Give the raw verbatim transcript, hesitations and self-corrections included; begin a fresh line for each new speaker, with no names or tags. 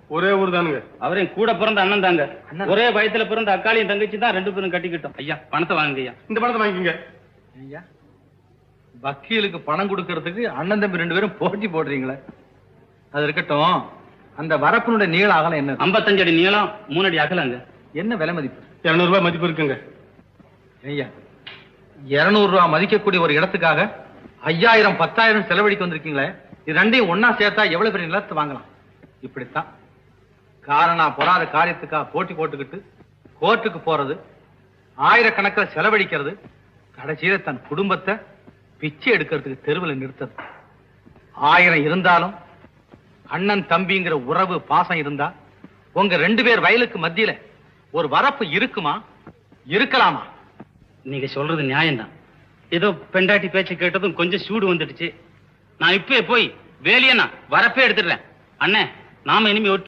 ஒரே ஊர் தானுங்க.
அவரையும் கூட பிறந்த அண்ணன் தாங்க. ஒரே வயத்துல பிறந்த அக்காளியும் தங்கச்சி தான், ரெண்டு பேரும் கட்டிக்கிட்டோம். ஐயா பணத்தை வாங்குங்க ஐயா.
இந்த பணத்தை வாங்கிக்கங்க
ஐயா. வக்கீலுக்கு பணம் கொடுக்கறதுக்கு அண்ணன் தம்பி ரெண்டு பேரும் போட்டி போடுறீங்களே, அது இருக்கட்டும். அந்த வரப்பினுடைய நீள அகலம் என்ன?
ஐம்பத்தஞ்சு அடி நீளம், மூணு அடி அகலங்க.
என்ன விலை மதிப்பு?
இருநூறு ரூபாய் மதிப்பு இருக்குங்க.
ஐயா, இருநூறு ரூபாய் மதிக்கக்கூடிய ஒரு இடத்துக்காக ஐயாயிரம் பத்தாயிரம் செலவழிக்க வந்திருக்கீங்களே, இது ரெண்டையும் ஒன்னா சேர்த்தா எவ்வளவு பெரிய நிலத்தை வாங்கலாம்? இப்படித்தான் காரணா பொறாத காரியத்துக்காக போட்டி போட்டுக்கிட்டு கோர்ட்டுக்கு போறது, ஆயிரக்கணக்கில் செலவழிக்கிறது, கடைசியில தன் குடும்பத்தை பிச்சை எடுக்கிறதுக்கு தெருவில் நிறுத்தது. ஆயிரம் இருந்தாலும் அண்ணன் தம்பிங்கிற உறவு பாசம் இருந்தா உங்க ரெண்டு பேர் வயலுக்கு மத்தியில ஒரு வரப்பு இருக்குமா? இருக்கலாமா?
நீங்க சொல்றது நியாயம்தான். ஏதோ பெண்டாட்டி பேச்சு கேட்டதும் கொஞ்சம் சூடு வந்துடுச்சு. நான் இப்பவே போய் வேலையை நான் வரப்பே எடுத்துடுறேன். அண்ணே, நாம இனிமே